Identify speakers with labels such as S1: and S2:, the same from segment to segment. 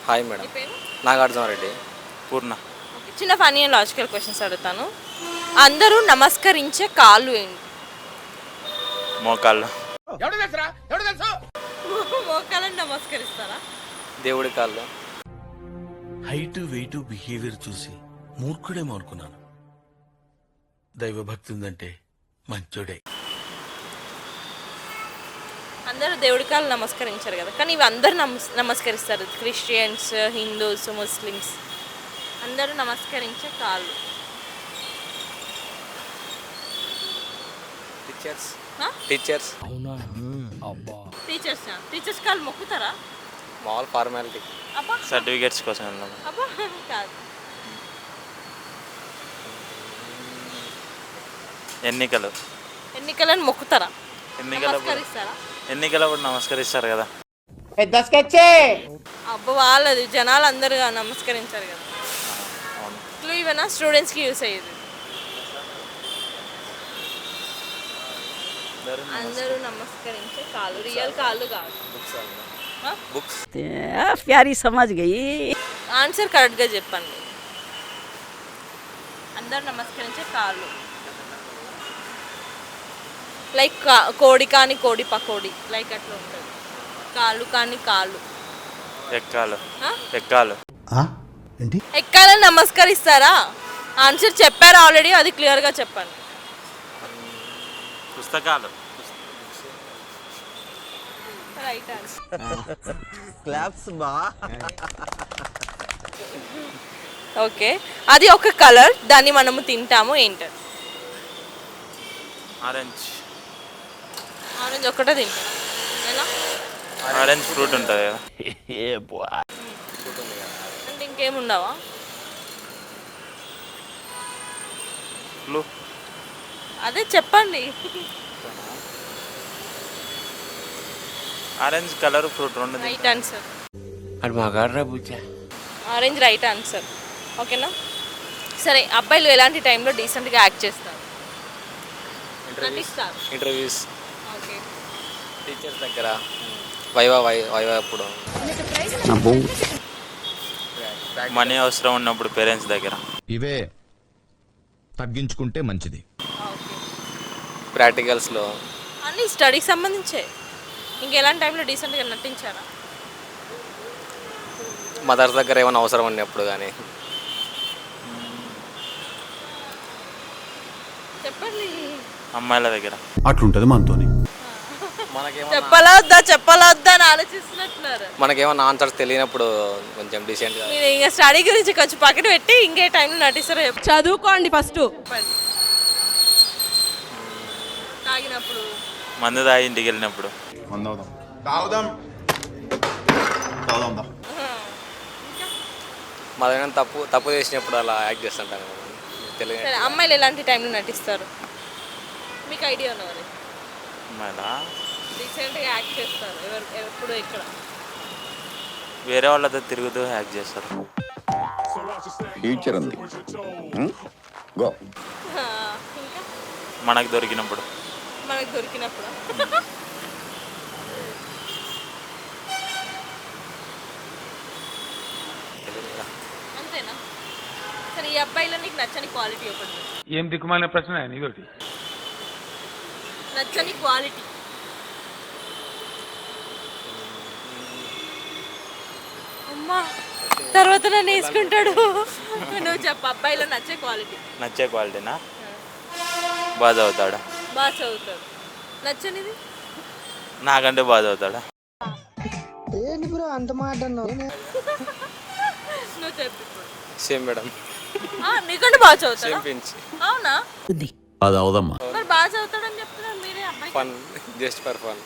S1: Hi madam. Nagarjuna Reddy.
S2: పూర్ణ.
S3: చిన్న funny and logical questions అడుగుతాను. అందరూ నమస్కరించే కాళ్ళు ఏంటి?
S2: మోకాళ్ళు.
S3: మోకాళ్ళని నమస్కరిస్తారా?
S1: దేవుడి కాళ్ళు.
S4: హైట్ వెయిట్ బిహేవియర్ చూసి మూర్ఖుడేమో అనుకున్నాను. దైవభక్తి ఉందంటే మంచోడే.
S3: అందరూ దేవుడి కాళ్ళు నమస్కరించారు కదా, కానీ ఇవి అందరూ నమస్కరిస్తారు. క్రిస్టియన్స్, హిందూస్, ముస్లిమ్స్ అందరూ నమస్కరించే కాళ్ళు.
S1: టీచర్స్.
S3: ఆ?
S1: టీచర్స్.
S3: టీచర్స్ కాళ్ళు మొక్కుతారా?
S1: మామూలు ఫార్మాలిటీ.
S3: అబ్బా
S2: సర్టిఫికేట్స్ కోసం వెళ్ళాము.
S3: అబ్బా కాదు. ఎన్నికలను మొక్కుతారా? నమస్కరిస్తారా?
S2: ఎన్నికలప్పుడు నమస్కరిస్తారు కదా.
S3: అబ్బా వాళ్ళది జనాలు అందరూ నమస్కరించారు కదా.
S2: అవును.
S3: క్లూ ఇవన్నా స్టూడెంట్స్కి యూస్ అయ్యేది. అందరూ నమస్కరించే కాళ్ళు, రియల్ కాళ్ళు కాదు.
S1: బుక్స్.
S5: प्यारी समझ गई.
S3: ఆన్సర్ కరెక్ట్గా చెప్పండి. అందరూ నమస్కరించే కాళ్ళు లైక్ కోడి కాని కోడి పకోడి లైక్ అట్లా ఉంటుంది. కాళ్ళు కాని కాళ్ళు.
S2: ఎక్కాలు.
S3: ఆ?
S2: ఎక్కాలు.
S3: ఎక్కాలని నమస్కరిస్తారా? ఆన్సర్ చెప్పారు ఆల్రెడీ, అది క్లియర్గా చెప్పండి.
S2: పుస్తకాలు.
S3: Right answer. ఓకే, అది ఒక కలర్, దాన్ని మనము తింటాము, ఏంటది?
S2: ఆరెంజ్.
S3: ఆరెంజ్ ఒక్కటే తింటాం. ఎలా?
S2: ఆరెంజ్ ఫ్రూట్ ఉంటుంది కదా.
S3: అంటే ఇంకేముండవా?
S2: ఫ్లూ.
S3: అదే చెప్పండి.
S2: ఆరెంజ్ కలర్ ఫ్రూట్ రెండు.
S3: Right answer. Orange right answer. ఓకేనా? సరే, అబ్బాయిలు ఎలాంటి టైంలో డీసెంట్గా యాక్ట్ చేస్తారు? నటిస్తారు.
S1: ఇంటర్వ్యూస్.
S3: ఓకే.
S1: టీచర్స్ దగ్గర. వైవా అప్పుడు.
S2: మనీ అవసరం ఉన్నప్పుడు పేరెంట్స్ దగ్గర.
S6: ఇవే తగ్గించుకుంటే మంచిది.
S3: ఓకే.
S1: ప్రాక్టికల్స్లో.
S3: అన్నీ స్టడీకి సంబంధించే. ఇంకెలాంటి టైంలో డీసెంట్గా నటించారా?
S1: మదర్స్ దగ్గర ఏమైనా అవసరం ఉన్నప్పుడు కానీ.
S3: చెప్పండి.
S2: అమ్మాయిల దగ్గర.
S6: అట్లుంటది మనతోని.
S3: చెప్పాలా వద్దా అని ఆలోచిస్తున్నట్టున్నారు.
S1: మనకేమన్నా ఆన్సర్స్ తెలియనప్పుడు కొంచెం డీసెంట్గా.
S3: మీరు ఇంకా స్టడీ గురించి కొంచెం పక్కన పెట్టి ఇంకే టైంలో నటిస్తారో
S5: చదువుకోండి ఫస్ట్.
S3: చెప్పండి. తాగినప్పుడు.
S2: మందు తాగి ఇంటికి వెళ్ళినప్పుడు.
S1: మన తప్పు చేసినప్పుడు అలా యాక్ట్ చేస్తుంటాను. తెలియదు.
S3: సరే, అమ్మాయిలు ఎలాంటి టైంలో నటిస్తారు? మీకు ఐడియా ఉన్నవారు
S2: అమ్మాయిలా
S3: రీసెంట్గా యాక్ట్ చేస్తారు ఎప్పుడు ఇక్కడ?
S2: వేరే వాళ్ళతో తిరుగుతూ హ్యాక్ చేస్తారు.
S7: ఫ్యూచర్ ఉంది. గో.
S3: ఇంకా
S2: మనకు దొరికినప్పుడు.
S3: మనకు దొరికినప్పుడు. అంతేనా? సరే, ఈ అబ్బాయిలో నీకు నచ్చని క్వాలిటీ ఒకటి.
S8: ఏం దిక్కుమాలిన ప్రశ్న ఇదొకటి.
S3: నచ్చని క్వాలిటీ. అమ్మా, తర్వాత నన్ను వేసుకుంటాడు. నువ్వు చెప్పు, అబ్బాయిలో నచ్చే క్వాలిటీ.
S2: నచ్చే క్వాలిటీనా? బాగా చదువుతాడా?
S3: బాగా చదువుతాడు. నచ్చనిది?
S2: నాకంటే బాగా చదువుతాడా?
S3: నువ్వు చెప్పు.
S1: Same madam.
S3: నీకంటే బాగా చదువుతాడా?
S1: Same pinch.
S3: అవునా?
S4: అది అవదమ్మా.
S3: మరి బాగా చదువుతాడని చెప్తున్నారు మీరే. అబ్బాయి
S1: ఫన్, జస్ట్ ఫర్ ఫన్.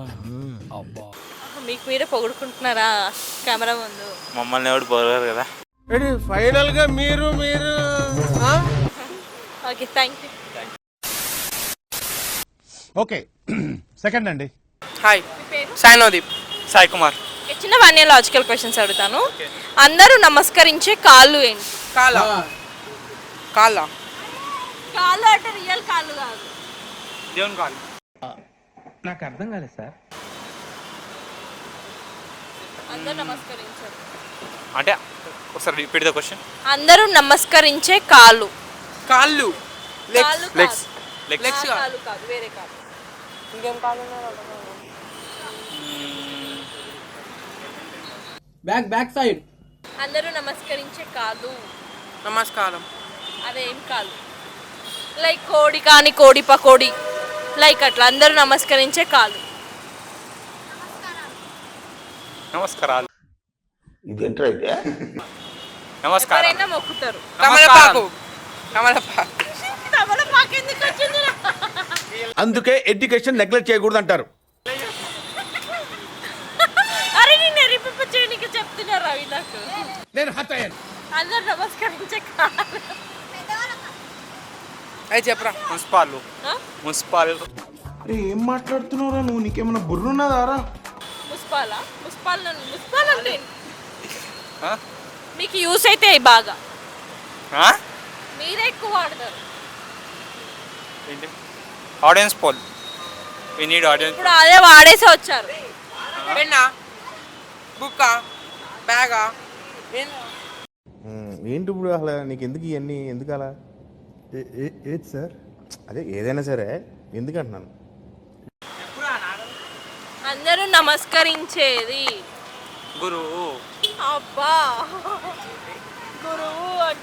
S3: మీకు మీరే పొగుడుకుంటున్నారా కెమెరా ముందు?
S2: మమ్మల్ని ఎవడు పోరారు కదా.
S9: ఫైనల్ గా మీరు
S3: okay, thank you.
S6: Okay, second అండి.
S9: హాయ్,
S3: మీ పేరు?
S9: సాయినోదీప్. సాయి కుమార్.
S3: చిన్న వన్ లాజికల్ క్వశ్చన్స్ అడుగుతాను. అందరూ నమస్కరించే కాళ్ళు ఏంటి?
S9: కాలా కాలా
S3: కాళ్ళు అంటే రియల్ కాళ్ళు కాదు.
S9: దేవుని కాలు.
S8: నాకు అర్థం కాలేదు సార్.
S3: అందరూ నమస్కరించారు.
S2: అంటే ఒకసారి రిపీట్ ద క్వశ్చన్.
S3: అందరూ నమస్కరించే కాళ్ళు.
S9: కాళ్ళు.
S3: కాళ్ళు
S2: లెగ్స్.
S3: కాదు.
S2: లెగ్స్.
S3: ఆ కాళ్ళు కాదు, వేరే కాళ్ళు.
S9: ఇంకేం కాళ్ళు
S5: బ్యాక్ సైడ్.
S3: అందరూ నమస్కరించే కాళ్ళు.
S9: నమస్కారం.
S3: అదేం కాళ్ళు? లైక్ కోడి కానీ కోడి పకోడి, లైక్ అట్లా అందరూ నమస్కరించే కాళ్ళు.
S2: నమస్కారాలు.
S7: ఇదేంట్రా అయితే
S2: నమస్కారం.
S3: ఎవరైనా మొక్కుతారు.
S9: కమలపాకు. కమలపాకు.
S3: తమలపాకు ఎందుకు వచ్చింది?
S6: అందుకే ఎడ్యుకేషన్ నెగ్లెక్ట్ చేయకూడదు అంటారు.
S3: అరే నేను ఎరిపిప్ప చేయనికి చెప్తున్నారు రవి నాకు.
S6: నేను హత అయ్యాను.
S3: అందరూ నమస్కరించే కాళ్ళు.
S9: అది చెప్పరా.
S2: మున్సిపాల్.
S3: ఆ?
S2: మున్సిపాల్.
S6: ఏం మాట్లాడుతున్నావురా నువ్వు? నీకేమైనా బుర్రున్నదారా?
S3: ముస్పాలా? ముస్పాల్ అంటే
S2: ఆ?
S3: మీకు యూస్ అయితే అవి బాగా
S2: ఆ?
S3: మీరే ఎక్కువ వాడతారు.
S2: ఏంటి? Audience poll. We need audience.
S3: ఇప్పుడు అదే వాడేసి వచ్చారు.
S9: పెన్నా, బుక్క, బ్యాగా.
S6: ఏంటి ఇప్పుడు అసలు నీకు ఎందుకు ఇవన్నీ ఎందుకు అలా? ఏది సార్? అదే ఏదైనా సరే ఎందుకు అంటున్నాను.
S3: అందరూ నమస్కరించేది.
S2: గురువు.
S3: అబ్బా గురువు అంట.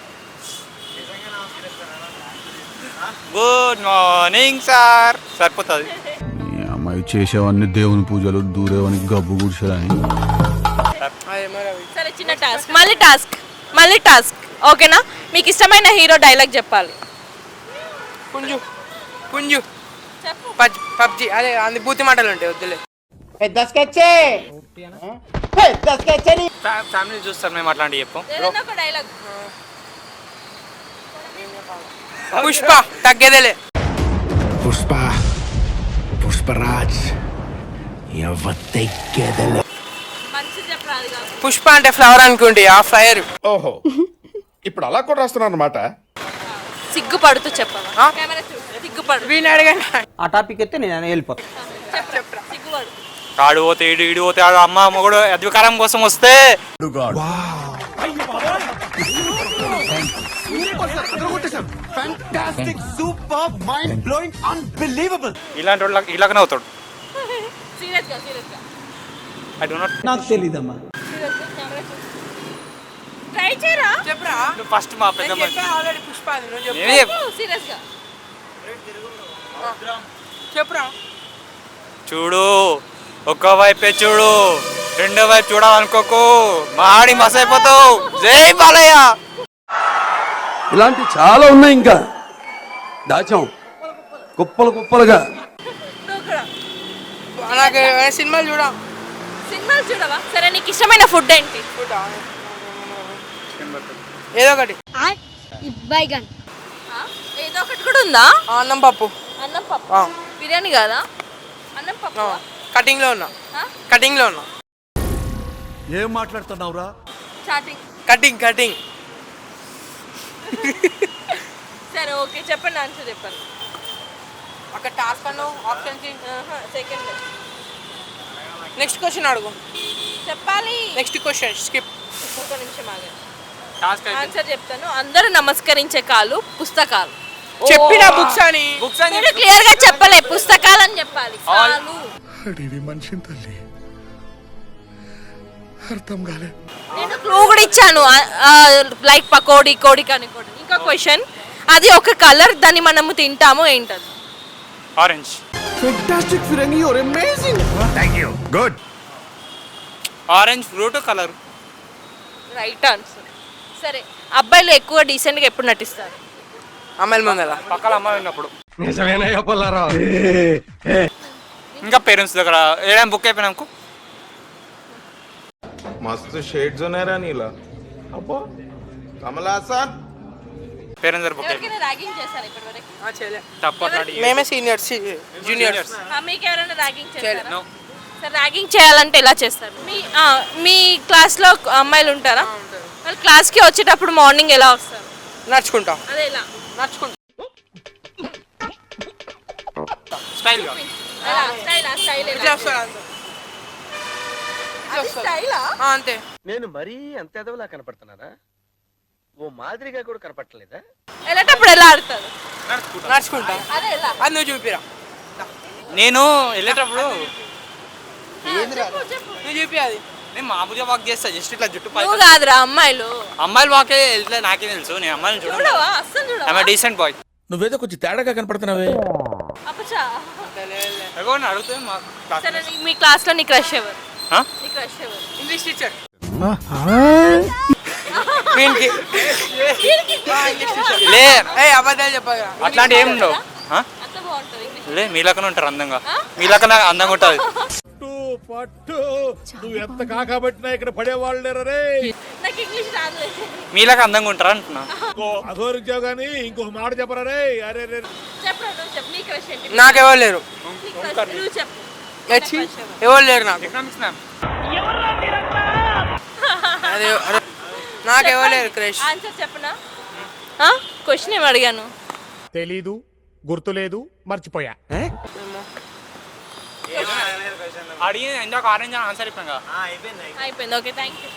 S2: Good morning sir. సరిపోతుంది.
S4: అమ్మాయి చేసేవన్నీ దేవుని పూజలు, దూరేవని గబ్బు కూర్చోని.
S9: అదేమో రవి.
S3: సరే చిన్న టాస్క్, మళ్ళీ టాస్క్ ఓకేనా? మీకు ఇష్టమైన హీరో డైలాగ్ చెప్పాలి.
S9: పుంజు. పుంజు.
S3: చెప్పు.
S9: పబ్జి. అదే అంది బూతి మాటలు ఉంటాయి, వద్దులే.
S2: ఫ్యామిలీ చూస్తారు మేము అట్లాంటివి చెప్పు.
S3: ఏదైనా ఒక డైలాగ్.
S9: పుష్ప. తగ్గేదేలే.
S4: పుష్పరాజ్
S3: మంచి చెప్పరాదు కాదు.
S9: పుష్ప అంటే ఫ్లవర్ అనుకోండి, ఆ ఫైర్.
S6: ఓహో, ఇప్పుడు అలా కూడా రాస్తున్నారు అనమాట.
S3: సిగ్గుపడుతూ చెప్పాలి.
S9: ఆ?
S3: కెమెరా చూడు. సిగ్గుపడు.
S9: వీని అడగండి.
S5: ఆ టాపిక్ అయితే నేను వెళ్ళిపోతాను.
S3: చెప్పరా సిగ్గుపడు.
S2: ఆడు పోతే ఈడు పోతే ఆడు అమ్మ మొగుడు అధికారం కోసం వస్తే ఇలాంటి వాళ్ళు ఇలాగనే అవుతాడు.
S3: సీరియస్గా
S2: ఐ డో నాట్.
S5: నాకు తెలీదమ్మా.
S3: కెమెరా చూడు. ట్రై చేయరా.
S9: చెప్పరా.
S2: ఫస్ట్ మా పెద్ద
S9: నేను
S2: మనిషి.
S9: చెప్పా ఆల్రెడీ పుష్ప అది. నువ్వు చెప్పు.
S2: నేనే చెప్పు.
S3: సీరియస్గా
S9: చెప్పురా.
S2: చూడు, ఒక్క వైపే చూడు, రెండో వైపు చూడాలనుకోకు, మాడి మసైపోతావు. జై బాలయ్య.
S4: ఇలాంటి చాలా ఉన్నాయి, ఇంకా దాచాం కుప్పలు కుప్పలుగా.
S3: నువ్వు కూడా
S9: నాకు సినిమాలు చూడా.
S3: సినిమాలు చూడవా? సరే నీకు ఇష్టమైన ఫుడ్ ఏంటి?
S9: ఏదో ఒకటి.
S3: ఆ? ఏదో ఒకటి కూడా ఉందా?
S9: అన్నం పప్పు.
S3: అన్నం పప్పు.
S9: ఆ.
S3: బిర్యానీ కాదా? అన్నం పప్పు.
S9: కటింగ్ లో ఉన్నా. కటింగ్ లో ఉన్నా.
S4: ఏం మాట్లాడుతున్నావురా?
S3: స్టార్టింగ్.
S9: కటింగ్.
S3: సరే ఓకే చెప్పండి, ఆన్సర్ చెప్పండి.
S9: అక్కడ టాస్క్ అన్నావు, ఆప్షన్
S3: సెకండ్.
S9: నెక్స్ట్ క్వశ్చన్ అడుగు.
S3: చెప్పాలి.
S9: Next question skip.
S3: ఒక నిమిషం ఆగండి.
S2: టాస్క్
S3: ఆన్సర్ చెప్తాను. అందరూ నమస్కరించే కాళ్ళు పుస్తకాలు.
S9: చెప్పిన బుక్స్ అని.
S2: బుక్స్ అని
S3: మీరు క్లియర్ గా చెప్పలే, పుస్తకాలు అని చెప్పాలి. కాళ్ళు.
S6: మనిషిని తల్లి అర్థం కాలే.
S3: నేను క్లూ కూడా ఇచ్చాను, లైక్ పకోడీ, కోడి కానీ కోడి. ఇంకా క్వశ్చన్, అది ఒక కలర్, దాన్ని మనము తింటాము, ఏంటది?
S2: ఆరెంజ్.
S6: ఫెంటాస్టిక్ ఫిరంగి, your amazing. Thank you. Good.
S2: Orange fruit colour.
S3: Right answer. సరే, అబ్బాయిలు ఎక్కువ డీసెంట్గా ఎప్పుడు నటిస్తారు?
S9: అమ్మాయిల ముందర.
S2: పక్కల అమ్మాయి ఉన్నప్పుడు.
S6: నిజమేనా చెప్పాలరా?
S2: ఇంకా పేరెంట్స్ దగ్గర ఏదైనా బుక్ అయిపోయినాకు
S6: మస్తు షేడ్స్ ఉన్నారా నీలా. అబ్బో కమలాసన్.
S2: పేరెంట్స్ దగ్గర బుక్ అయిపోయింది.
S3: ఎవరికైనా ర్యాగింగ్ చేశారా ఇప్పటివరకు?
S9: చేయలే.
S2: తప్పు అట్లాంటి
S9: మేమే సీనియర్స్, జూనియర్స్.
S3: మీకు ఎవరైనా ర్యాగింగ్ చేశారా?
S2: No.
S3: సరే, ర్యాగింగ్ చేయాలంటే ఎలా చేస్తారు? మీ క్లాస్లో అమ్మాయిలు ఉంటారా? వాళ్ళు క్లాస్కి వచ్చేటప్పుడు మార్నింగ్ ఎలా వస్తారు?
S9: నడుచుకుంటా.
S3: అదే ఎలా?
S9: నడుచుకుంటా.
S2: స్టైల్గా.
S3: స్టైల్ ఎలా?
S9: ఇట్లా వస్తారు అంతే.
S3: అది స్టైలా?
S9: అంతే.
S7: నేను మరీ అంత ఎదవలా కనపడుతున్నానా? ఓ మాదిరిగా కూడా కనపడలేదా?
S3: వెళ్ళేటప్పుడు ఎలా ఆడతారు?
S9: నడుచుకుంటా.
S3: అదే ఎలా?
S9: అది నువ్వు చూపిరా.
S2: నేను వెళ్ళేటప్పుడు
S3: చెప్పు, చెప్పు.
S9: నువ్వు చూపి అది.
S2: నేను మామూలుగా వాక్ చేస్తా, జస్ట్ ఇట్లా జుట్టు పై
S3: నువ్వు కాదురా అమ్మాయిలు.
S2: అమ్మాయిలు వాకే వెళ్తే నాకే తెలుసు, నేను అమ్మాయిని చూడను.
S3: చూడవా? అస్సలు చూడవా?
S2: Decent boy.
S6: నువ్వేదో కొంచెం తేడాగా కనపడుతున్నావే.
S3: అప్పచా.
S2: అడుగుతుంది మా class
S3: సరే మీ క్లాస్ లో నీ క్రష్ ఎవరు?
S2: ఆ?
S3: నీ క్రష్ ఎవరు?
S9: English teacher.
S2: లే
S9: అబద్ధాలు చెప్పగా.
S2: అట్లాంటి ఏం ఉండవు. ఆ?
S3: అంత బాగుంటుంది ఇంగ్లీష్.
S2: లే మీలకనే ఉంటారు అందంగా, మీలకనే అందంగా ఉంటుంది.
S6: నువ్వు ఎంత కాకబట్టినా ఇక్కడ పడేవాళ్ళు లేరే.
S3: నాకు ఇంగ్లీష్ రాదు.
S2: మీలాగా అందంగా ఉంటారా అంటున్నా.
S6: అఘోరించావు కానీ ఇంకొక మాట చెప్పరా రే. అరే రే
S3: చెప్పరా నువ్వు చెప్పు. నీ క్రష్ ఏంటి?
S9: నాకెవరు లేరు.
S3: నీ crush నువ్వు చెప్పు.
S9: ఎచ్చి ఎవరు లేరు నాకు.
S2: Economics ma'am.
S9: అదే అరే, నాకెవరు లేరు క్రష్.
S3: ఆన్సర్ చెప్పనా? క్వశ్చన్ ఏమి అడిగాను?
S6: తెలీదు, గుర్తులేదు, మర్చిపోయా.
S2: అడిగి ఇందాక ఆరెంజ్ ఆన్సర్ ఇప్పాను కదా.
S3: అయిపోయింది. Okay, thank you.